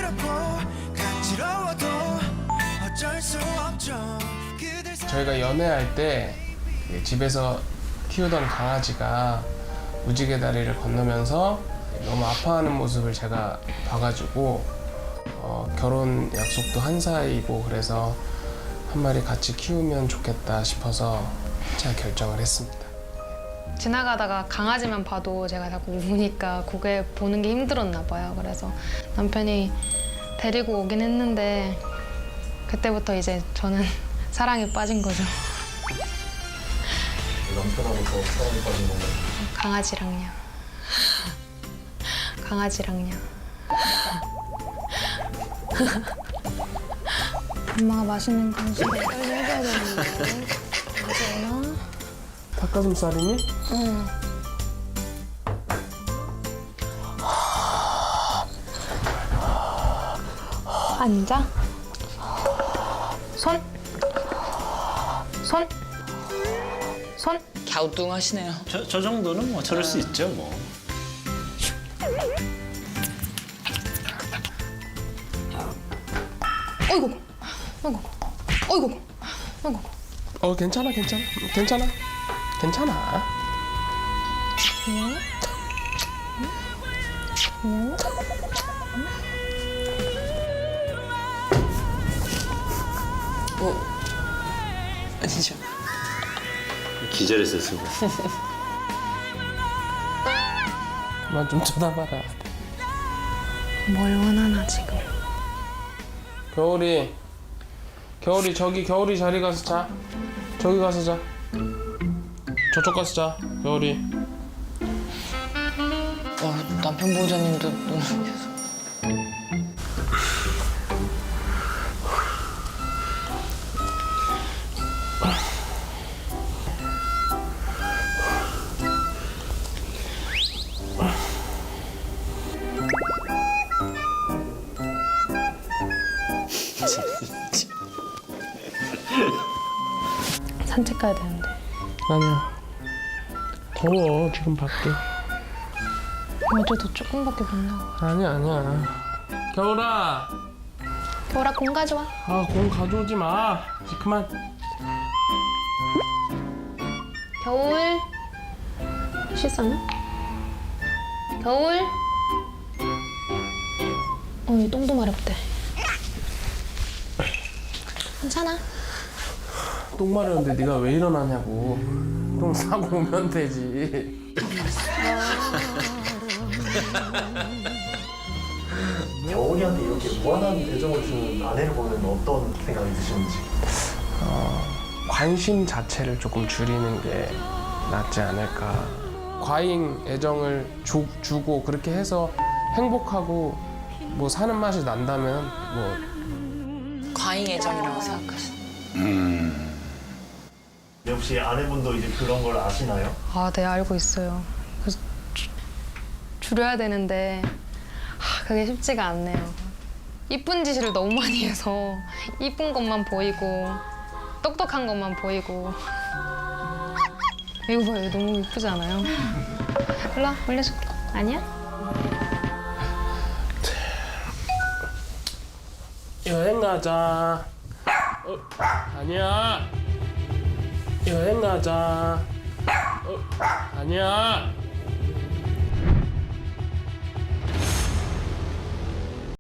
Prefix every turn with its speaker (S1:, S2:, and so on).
S1: 저희가 연애할 때 집에서 키우던 강아지가 무지개 다리를 건너면서 너무 아파하는 모습을 제가 봐가지고 결혼 약속도 한 사이고 그래서 한 마리 같이 키우면 좋겠다 싶어서 제가 결정을 했습니다.
S2: 지나가다가 강아지만 봐도 제가 자꾸 우니까 그게 보는 게 힘들었나 봐요. 그래서 남편이 데리고 오긴 했는데 그때부터 이제 저는 사랑에 빠진 거죠.
S3: 남편하고 더 사랑에 빠진 건가요?
S2: 강아지랑요. 강아지랑요. 엄마가 맛있는 간식을 빨리 해줘야 되는데 언제나?
S1: 닭가슴살이니?
S2: 응. 앉아. 손. 손. 손.
S4: 갸우뚱하시네요.
S5: 저 정도는 뭐 저럴 수 있죠 뭐.
S2: 어이구. 어이구. 어이구. 어이구.
S1: 괜찮아.
S4: 아니죠.
S5: 기절했어요 순간.
S1: 그만 좀 쳐다봐라.
S2: 뭘 원하나 지금.
S1: 겨울이 저기 겨울이 자리 가서 자. 저기 가서 자. 저쪽 가서 자. 겨울이.
S4: 남편 보호자님도 눈을 계속.
S2: 산책 가야 되는데.
S1: 아니야. 더워 지금 밖에.
S2: 어제도 조금밖에 못 나와.
S1: 아니야. 겨울아.
S2: 겨울아 공 가져와.
S1: 공 가져오지 마. 이제 그만.
S2: 겨울. 씻었나? 겨울. 이 똥도 마렵대. 괜찮아.
S1: 똥 마려운데 네가 왜 일어나냐고. 똥 싸고 오면 되지.
S3: 겨울이한테 이렇게 무한한 애정을 주는 아내를 보면 어떤 생각이 드시는지.
S1: 관심 자체를 조금 줄이는 게 낫지 않을까. 과잉 애정을 주고 그렇게 해서 행복하고 뭐 사는 맛이 난다면 뭐
S4: 과잉 애정이라고 생각하시는.
S3: 네, 혹시 아내분도 이제 그런 걸 아시나요?
S2: 네 알고 있어요. 그래서 줄여야 되는데 그게 쉽지가 않네요. 이쁜 짓을 너무 많이 해서 이쁜 것만 보이고 똑똑한 것만 보이고. 이거 봐요. 너무 이쁘지 않아요? 일로 와, 올려줄게. 아니야?
S1: 여행 가자. 아니야. 여행 가자. 아니야.